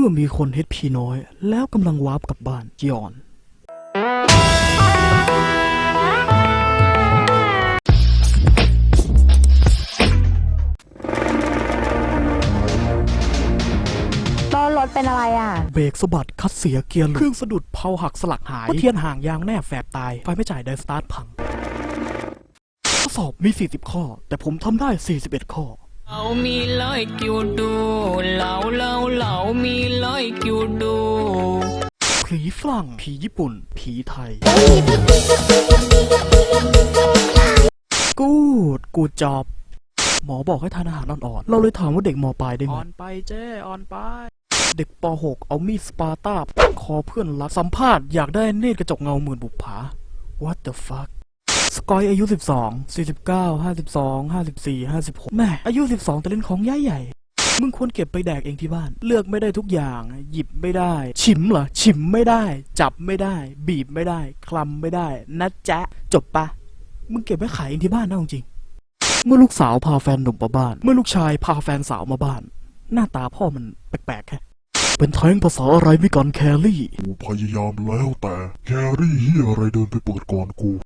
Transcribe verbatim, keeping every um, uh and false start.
มื่อมีคน เอช พี น้อยแล้วกำลังวาร์ปกลับบ้านยอนล้อรถเป็นอะไรอ่ะเบรกสะบัดคัดเสียเกียร์หลุดเครื่องสะดุดเพลาหักสลักหายเทียนห่างยางแนบแฝบตายไฟไม่จ่ายไดสตาร์ทพังข้อสอบมีสี่สิบข้อแต่ผมทำได้สี่สิบเอ็ดข้อเรามี like you do เราเราเรามี like you do ผีฝรั่งผีญี่ปุ่นผีไทยกูดกูจอบหมอบอกให้ทานอาหารอ่อนๆเราเลยถามว่าเด็กม.ปลายได้ไหมอ่อนไปเจ้อ่อนไปเด็กป.หกเอามีดสปาร์ต้าปักคอเพื่อนรักสัมภาษณ์อยากได้เนตรกระจกเงาหมื่นบุปผา What the fuck สกอยอายุสิบสอง สี่สิบเก้า ห้าสิบสอง ห้าสิบสี่ ห้าสิบหกแม่อายุสิบสองแต่เล่นของใหญ่ใหญ่มึงควรเก็บไปแดกเองที่บ้านเลือกไม่ได้ทุกอย่างหยิบไม่ได้ชิมเหรอชิมไม่ได้จับไม่ได้บีบไม่ได้คลำไม่ได้นะจ๊ะจบปะมึงเก็บไว้ขายเองที่บ้านนะจริงเมื่อลูกสาวพาแฟนหนุ่มมาบ้านเมื่อลูกชายพาแฟนสาวมาบ้านหน้าตาพ่อมันแปลกๆแค่เป็นแท้งภาษาอะไรไม่กันแครี่กูพยายามแล้วแต่แครี่เฮียอะไรเดินไปเปิดก่อนกู